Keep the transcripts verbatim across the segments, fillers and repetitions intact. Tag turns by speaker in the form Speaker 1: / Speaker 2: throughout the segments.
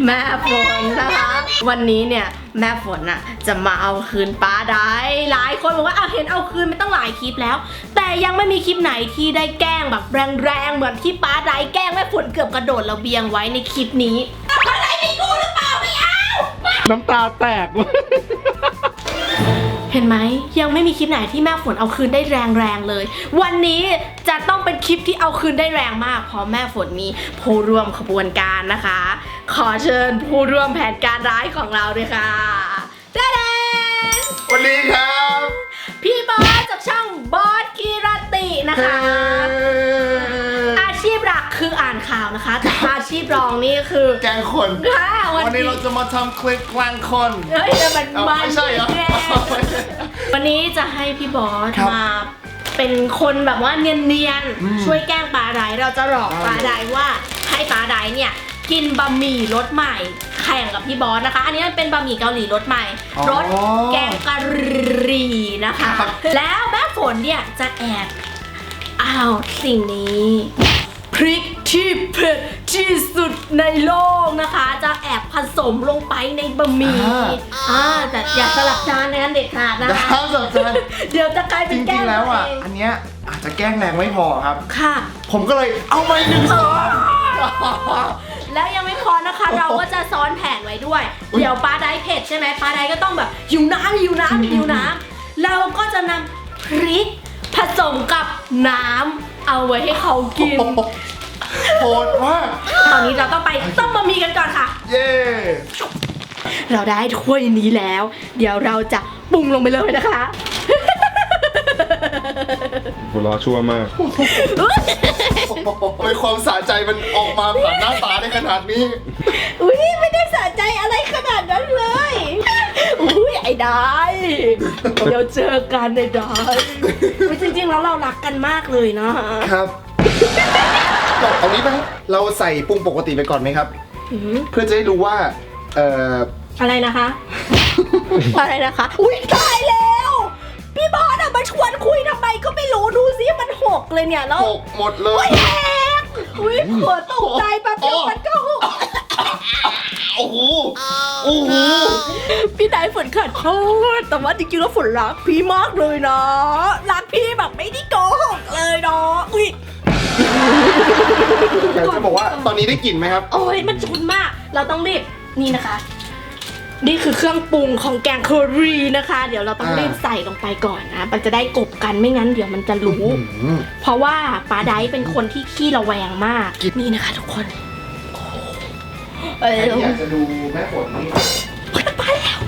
Speaker 1: แม่ฝนนะคะวันนี้เนี่ยแม่ฝนน่ะจะมาเอาคืนป้าได้หลายคนบอกว่าเอาเห็นเอาคืนไม่ต้องหลายคลิปแล้วแต่ยังไม่มีคลิปไหนที่ได้แกล้งแบบแรงๆเหมือนที่ป้าได้แกล้งแม่ฝนเกือบกระโดดระเบียงไว้ในคลิปนี้อะไรไม่กูหรือเปล่าไม่เอา
Speaker 2: น้ำตาแตก
Speaker 1: เห็นไหมยังไม่มีคลิปไหนที่แม่ฝนเอาคืนได้แรงๆเลยวันนี้จะต้องเป็นคลิปที่เอาคืนได้แรงมากเพราะแม่ฝนมีผู้ร่วมขบวนการนะคะขอเชิญผู้ร่วมแผนการร้ายของเราด้วยค่ะเด้เด้
Speaker 2: สวัสดีครับ
Speaker 1: พี่บอสจากช่องบอสกีรตินะคะอาชีพหลักคืออ่านข่าวนะคะแต่อาชีพรองนี่คือ
Speaker 2: แกล้งคน
Speaker 1: ค่ะ
Speaker 2: วันนี้เราจะมาทำคลิปแกล้งคน
Speaker 1: เฮ้ยแต่มันมัน
Speaker 2: ไม่ใช่เหรอ
Speaker 1: วันนี้จะให้พี่บอสมาเป็นคนแบบว่าเนียนๆช่วยแกล้งปลาไดเราจะหลอกปลาไดว่าให้ปลาไดเนี่ยกินบะหมี่รสใหม่แข่งกับพี่บอสนะคะอันนี้มันเป็นบะหมี่เกาหลีรสใหม่รสแกงกะหรี่นะคะแล้วแม่ฝนเนี่ยจะแอบอ้าวสิ่งนี้พริกที่เผ็ดที่สุดในโลกนะคะจะแอบผสมลงไปในบะหมี่อ่าแต่อย่าสลับจานในนั้นเด็ดขาดนะคะ
Speaker 2: สลับจาน
Speaker 1: เดี๋ยวจะกลายเป็นแกล้ง
Speaker 2: แล้วอ่ะอันเนี้ยอาจจะแกล้งแรงไม่พอครับ
Speaker 1: ค่ะ
Speaker 2: ผมก็เลยเอาไปหนึ่งซอง
Speaker 1: แล้วยังไม่พอนะคะเราก็จะซ้อนแผนไว้ด้วยเดี๋ยวปลาไดเผ็ดใช่ไหมปลาไดก็ต้องแบบหิวน้ำหิวน้ำหิวน้ำเราก็จะนำพริกผสมกับน้ำเอาไว้ให้เขากิน
Speaker 2: โหดมาก
Speaker 1: ตอนนี้เราต้องไปต้มบะหมี่กันก่อนค่ะ
Speaker 2: เย้
Speaker 1: เราได้ถ้วยนี้แล้วเดี๋ยวเราจะปรุงลงไปเลยนะคะ
Speaker 2: หัวเราะชั่วมากทำไมความสะใจมันออกมาผ่านหน้าตาได้ขนาดนี้
Speaker 1: อุ้ยไม่ได้สะใจอะไรขนาดนั้นเลยอุ้ยไอ้ได้เดี๋ยวเจอกันไอ้ได้จริงๆแล้วเรารักกันมากเลยนะครับ
Speaker 2: เอานี้ไหมเราใส่ปรุงปกติไปก่อนไหมครับเพื่อจะได้รู้ว่าเอ่อ
Speaker 1: อะไรนะคะอะไรนะคะอุ้ยตายแล้วพี่บอสอะมาชวนคุยทำไมก็ไม่รู้ดูซิมันหกเลยเนี่ยแล้ว
Speaker 2: หกหมดเลย
Speaker 1: แหกอุ้ยหัวตกใจแป๊บเดียวมันก็หก
Speaker 2: โอ้โหโอ้โห
Speaker 1: พี่ได้ฝนขัดโทษแต่ว่าจริงๆแล้วฝนรักพี่มากเลยนะรักพี่แบบไม่ได้โกหกเลยเนาะอุ้ย
Speaker 2: อยากจะบอกว่าตอนนี้ได้กลิ่นไหมครับ
Speaker 1: โอ้ยมันฉุนมากเราต้องรีบนี่นะคะนี่คือเครื่องปรุงของแกงเคอรี่นะคะเดี๋ยวเราต้องรีบใส่ลงไปก่อนนะมันจะได้กบกันไม่งั้นเดี๋ยวมันจะรู้เพราะว่าปลาไดเป็นคนที่ขี้ระแวงมากนี่นะคะทุกคน
Speaker 2: เอออยากจะดูแม่ฝนนี่
Speaker 1: ไปแล้ว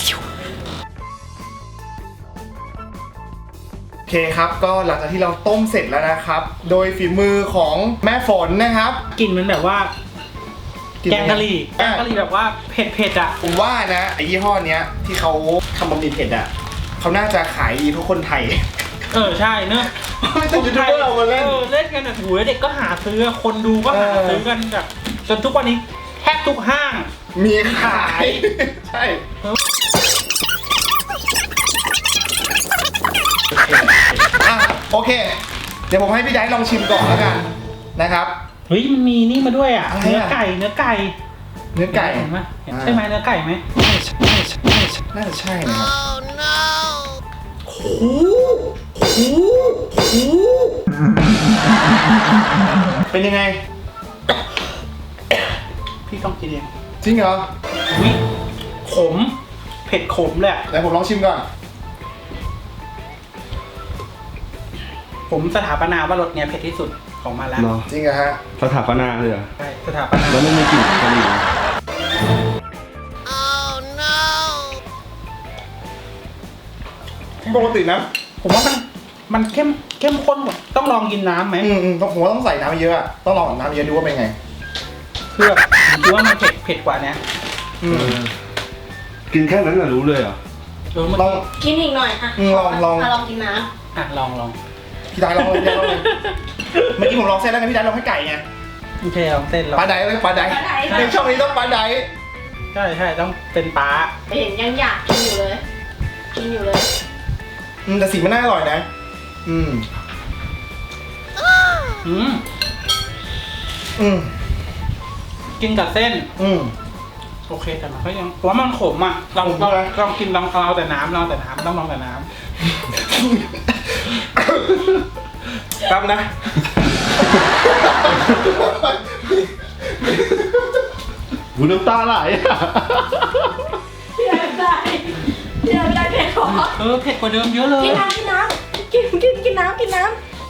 Speaker 2: โอเคครับก็หลังจากที่เราต้มเสร็จแล้วนะครับโดยฝีมือของแม่ฝนนะครับ
Speaker 3: กลิ่นมันแบบว่าแกงกะหรี่แกงกะหรี่แบบว่าเผ็ดเผ็ดอ่ะ
Speaker 2: ผมว่านะไอ้ยี่ห้อเนี้ยที่เขาทำบะหมี่เผ็ดอ่ะเขาน่าจะขายดีทุกคนไทย
Speaker 3: เออใช่เนอะ
Speaker 2: ไม่ต้องยูทูบเบอร์เรามาเล่น
Speaker 3: เล่นกันอ่ะหูเด็กก็หาซื้อคนดูก็หาซื้อกันแบบจนทุกวันนี้แทบทุกห้าง
Speaker 2: มีขายใช่โอเคเดี๋ยวผมให้พี่ไดลองชิมก่อนแล้วกันนะครับ
Speaker 3: เฮ้ยมันมีนี่มาด้วยอ่ะเนื้อไก่เนื้อไก่
Speaker 2: เนื้อไก่
Speaker 3: ไหมใช่ไหมเนื้อไก่ไหม
Speaker 2: น่าจะใช่นะครับโอ้โหเป็นยังไง
Speaker 3: พี่ต้องกินเอง
Speaker 2: จริงเหรอ
Speaker 3: วิขมเผ็ดขมเลย
Speaker 2: เดี๋ยวผมลองชิมก่อน
Speaker 3: ผมสถาปนาว่ารสเนี้ยเผ็ดที่สุดของมาแล้ว
Speaker 2: จริงเหรอฮะ
Speaker 4: สถาปนาเลยเหรอ
Speaker 3: ใช่สถาปนา
Speaker 4: แล้วไม่มีกลิ่นกะหรี่
Speaker 2: ปกตินะ
Speaker 3: ผมว่ามันมันเข้มเข้มข้นหมดต้องลองกินน้ำไหม
Speaker 2: อืมอืมผมว่าต้องใส่น้ำเยอะต้องลองน้ำเยอะดูว่าเป็นไง
Speaker 3: เพื่อดูว่ามันเผ็ดเผ็ดกว่านี้
Speaker 4: อืมกินแค่นั้นน่ะรู้เลยเหรอ
Speaker 2: ลอง
Speaker 1: กินอีกหน่อยอ่ะ
Speaker 2: ลองลอง
Speaker 1: ลองกินน้
Speaker 3: ำอ่ะลองลอง
Speaker 2: พี่ได้ลองเลยพี่ได้ลองเลยเมื่อกี้ผมลองเส้นแล้วไงพี่ได้ลองให้ไก่ไง
Speaker 3: โอเคลองเส้น
Speaker 2: ปลาไดเลยปลาไดในช่องนี้ต้องปลาได
Speaker 3: ใช่ใช่ต้องเป็นปลา
Speaker 1: เห็นยังอยากกินอยู่เลยกินอยู่เลย
Speaker 2: อืมแต่สีมันน่าอร่อยนะอืม
Speaker 3: อืม
Speaker 2: อืม
Speaker 3: กินกับเส้น
Speaker 2: อืม
Speaker 3: โอเคแต่มันก็ยังว่ามันขมอ่ะลองลองลองกินลองเอาแต่น้ำลองแต่น้ำต้องลองแต่น้ำครับนะ
Speaker 4: หูน้ำตาไหลอะ
Speaker 1: พี่ได้ไม่ได้พี่ได้ไม่ได้เผ็ดหรอ
Speaker 3: เออเผ็ดกว่าเดิมเยอะเลย
Speaker 1: กินน้ำกินน้ำกินกินกินน้ำกินน้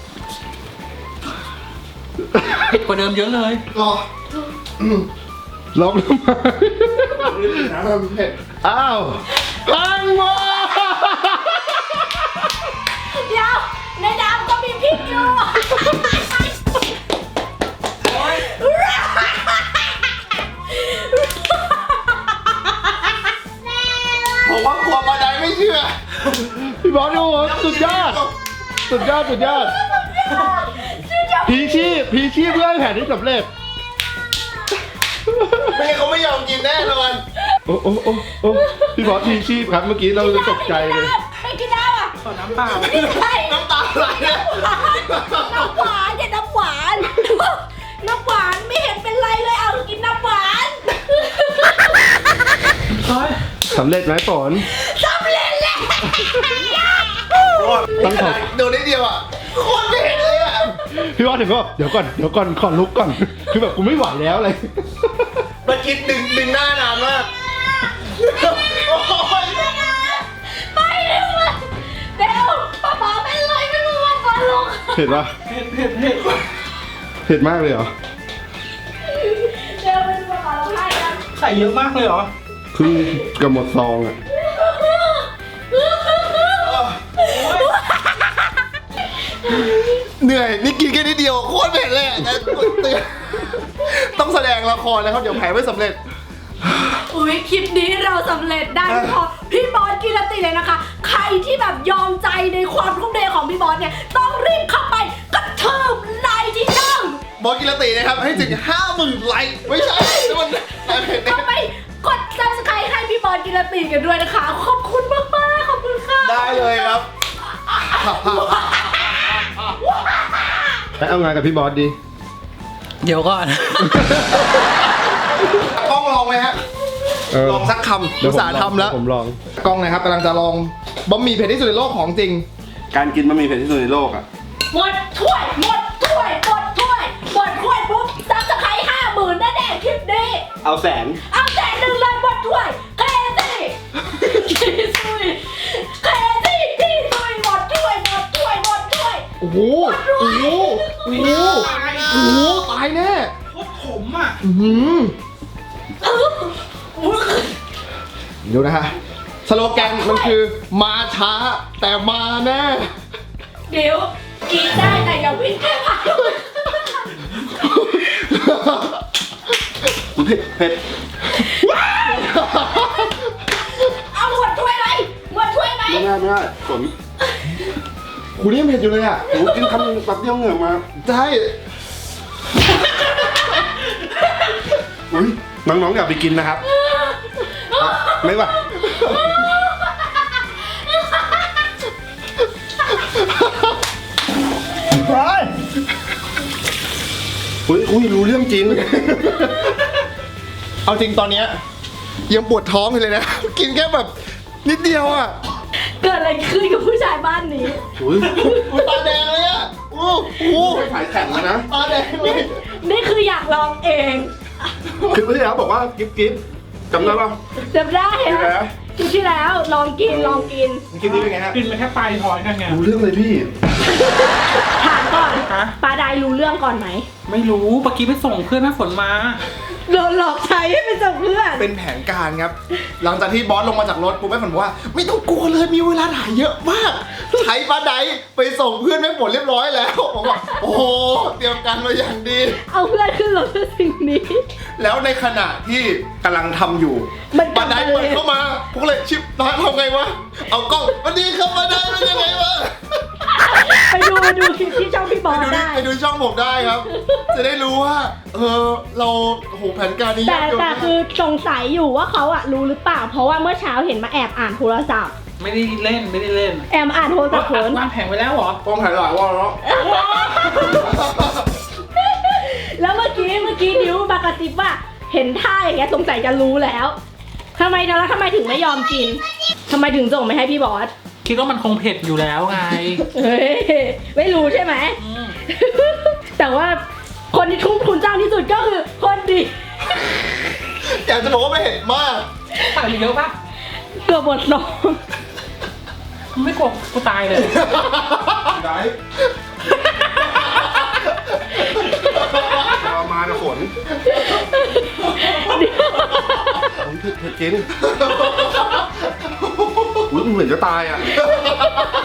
Speaker 3: เผ็ดกว่าเดิมเยอะเลย
Speaker 2: รอ
Speaker 4: ลองทำไม
Speaker 2: น้ำเผ็ด
Speaker 4: อ้าวลังโม
Speaker 1: ำเดี๋ยวในน้ำก็มีพริกอยู่
Speaker 2: ผมว่ากลัวมาได้ไม่เชื่อ
Speaker 4: พี่บอสโอ้โหสุดยอด สุดยอดสุดยอดพีชีพพีชีพเพื่อให้แผนที่สำเร็จ
Speaker 2: ไม่งั้นเขาไม่ยอมกินแน่นอน
Speaker 4: โอ้โอ้โอ้โอ้พี่บอสพีชีพครับเมื่อกี้เราตกใจเลย
Speaker 1: ไม่กินน้ำอ่ะ
Speaker 3: ขอน้ำเปล่า
Speaker 1: ไม่ใช่
Speaker 2: น้ำตาไหลเลย
Speaker 1: น้ำหวานอย่าน้ำหวานน้ำหวานไม่เห็นเป็นไรเลยเอากินน้ำหวาน
Speaker 3: เฮ้ย
Speaker 4: สำเร็จไหมฝน
Speaker 1: สำเร็จแล้ว
Speaker 4: ต้องขอ
Speaker 2: โดนนิดเดียวอ่ะโคตรเผ็ดเลยอ่ะ
Speaker 4: พี่บอสถึงก็เดี๋ยวก่อนเดี๋ยวก่อนขอลุกก่อน คือแบบกูไม่ไหวแล้วเลย
Speaker 2: มาคิดดึงดึงหน้านานมากโอ้ย
Speaker 1: ไปเร็วเลยเดี๋ยวป๊าป๊าเป็นไรไม่รู้ว่าฟันลง
Speaker 4: เผ็ดปะ
Speaker 3: เผ็ดเผ็ดเผ็ด
Speaker 4: เผ็ดมากเลยเหรอ
Speaker 1: เดี๋ยวเป็นป๊าป๊าร้องไห้กัน
Speaker 3: ใส่เยอะมากเลยเหรอ
Speaker 4: ครึ่งกับหมดซองอ่ะ
Speaker 2: เหนื่อยนี่กินแค่นิดเดียวโคตรเผ็ดเลยอะแต่เตือนต้องแสดงละครนะครับเดี๋ยวแผลไม่สำเร็จ
Speaker 1: อุ้ยคลิปนี้เราสำเร็จได้พอพี่บอสกิรติเลยนะคะ ใครที่แบบยอมใจในความทุ่มเทของพี่บอสเนี่ยต้องรีบเข้าไปกระเทิบไลค์ที่ช่อง
Speaker 2: บอสกิรตินะครับให้ถึงห้าหมื่นไลค์ไม่ใช่แล้วมันแต่เผ็ดเนี่ย
Speaker 1: เข้าไปกด ซับสไครบ์ ให้พี่บอสกิรติกันด้วยนะคะ ขอบคุณมากๆขอบคุณค่ะ
Speaker 2: ได้เลยครับ
Speaker 4: ไปเอางานกับพี่บอสดี
Speaker 3: เดี๋ยวก่อน
Speaker 2: กล้องลองไหมฮะ
Speaker 4: เออ
Speaker 2: ลองสักคำ
Speaker 4: เดี๋
Speaker 2: อุ
Speaker 4: ยว
Speaker 2: ต
Speaker 4: ผม
Speaker 2: ส่าห์ทำแล้ว
Speaker 4: ผมลอง
Speaker 2: กล้องนะครับกำลังจะลองบะหมี่เผ็ดที่สุดในโลกของจริง
Speaker 4: การกินบะหมี่เผ็ดที่สุดในโลกอ่ะ
Speaker 1: หมดถ้วยหมดถ้วยหมดถ้วยหมดถ้วยปุ๊บซับสไครบ์ห้าหมื่นแน่ๆคลิปนี้
Speaker 4: เอาแสน
Speaker 1: เอาแสนหนึ่งเลยหมดถ้วยเคซี่ที่สุยเคซี่ที่สุยหมดถ้วยหมดถ้วยหมดถ้วย
Speaker 2: โอ้โห โอ้โห โอ้โห โอ้โห ตายแน่
Speaker 3: โคตรขมอ่ะ
Speaker 2: อื้อหือดูนะฮะ สโลแกนมันคือมาช้าแต่มาแน่
Speaker 1: เดี๋ยวกินได้แต่อย่าวิ่งแค่ผ่าน
Speaker 4: เผ็ดเผ็ด
Speaker 1: เอาหมดถ้วยไหมหมดถ้วยไหม
Speaker 4: ไม่ได้ไม่ได้ฝน
Speaker 2: คุณนี่ยังเผ็ดอยู่เลยอ่ะ
Speaker 4: โอ้กินคำนึงแป๊บเดียวเหงื่อมา
Speaker 2: ใช่
Speaker 4: อุ้ยน้องๆอย่าไปกินนะครับอ่ะไม่ไหวอุ้ยอุ้ยรู้เรื่องจริง
Speaker 2: เอาจริงตอนเนี้ยยังปวดท้องอยู่เลยนะ กินแค่แบบนิดเดียวอ่ะ
Speaker 1: เกิดอะไรขึ้นกับผู้ชายบ้านนี้
Speaker 4: อุ้ย
Speaker 2: อุ๊ยตาแดงเลยอ่ะโอ้โห
Speaker 4: ถ่ายแข่งแล้วนะ
Speaker 2: ตาแดงเลย
Speaker 1: นี่คืออยากลองเอง
Speaker 4: คลิปที่แล้วบอกว่ากิ๊บกิ๊บจำได้ป่ะ
Speaker 1: จำได้
Speaker 4: คลิปแล้ว
Speaker 1: คลิปที่แล้วลองกินลองกิน
Speaker 2: คลิปนี้เป็นไงฮะ
Speaker 3: กินไปแค่ปลายทอยนั่นไง
Speaker 4: รู้เรื่องเลยพี่
Speaker 1: ถามก่อน
Speaker 3: ฮะ
Speaker 1: ปลาไดรู้เรื่องก่อนไหม
Speaker 3: ไม่รู้เมื่อกี้ไปส่งเพื่อนแม่ฝนมา
Speaker 1: โดนหลอกใช้ให้เป็นจับเพื่อน
Speaker 2: เป็นแผนการครับ หลังจากที่บอสลงมาจากรถปุ๊บแม่ฝนบอกว่า ไม่ต้องกลัวเลยมีเวลาถ่ายเยอะมาก ใช้ปลาไดไปส่งเพื่อนแม่ฝนเรียบร้อยแล้วผมบอกโอ้โหเตรียมการมาอย่างดี
Speaker 1: เอาเพื่อนขึ้นรถเพื่อสิ่งนี้
Speaker 2: แล้วในขณะที่กำลังทำอยู่
Speaker 1: มันก
Speaker 2: ป
Speaker 1: ลั
Speaker 2: ลา
Speaker 1: บ
Speaker 2: ได
Speaker 1: มา
Speaker 2: เปิด
Speaker 1: เลย
Speaker 2: เข้ามาพวกเลยชิปน้อยทำไงวะเอากล้องวันนี้ครับปลาไดเป็นยังไงวะ
Speaker 1: ไปดูไปดูคลิปที่ช่องพี่บอ
Speaker 2: ไป
Speaker 1: ส
Speaker 2: ดูดิ
Speaker 1: ได้
Speaker 2: ไปดูช่องผมได้ครับ จะได้รู้ว่า เออเราโอ้โหแผนการนี้
Speaker 1: แต่
Speaker 2: ยากอยู่
Speaker 1: แต่คือสงสัยอยู่ว่าเขาอะรู้หรือเปล่า เพราะว่าเมื่อเช้าเห็นมาแอบอ่านโทรศัพท์
Speaker 3: ไม่ได้เล่นไม่ได้เล่น
Speaker 1: แอบอ่านโทรศัพท์ฝน
Speaker 3: วางแผนไว้แล้วเหรอ
Speaker 2: ป้องถ่ายหลายว่าแล้ว
Speaker 1: แล้วเมื่อกี้เมื่อกี้ดิวมากระติบว่าเห็นท่าอย่างเงี้ยสงสัยจะรู้แล้วทำไมแล้วทำไมถึงไม่ยอมกินทำไมถึงส่งไม่ให้พี่บอส
Speaker 3: คิดว่ามันคงเผ็ดอยู่แล้วไง
Speaker 1: เฮ้ยไม่รู้ใช่ไหม
Speaker 3: อืม
Speaker 1: แต่ว่าคนที่ทุ่มทุนจ้างที่สุดก็คือคนดี
Speaker 2: อยากจะบอกว่าไม่เห็นมาก
Speaker 3: ใส่ไปเยอะปะ
Speaker 1: เกือบหมดลง
Speaker 3: ไม่กลัวกูตายเลย
Speaker 4: ได้ ประมาณนะฝนเผ็ดเผ็ดจริงอุ้ยมันเหมือนจะตายอ่ะ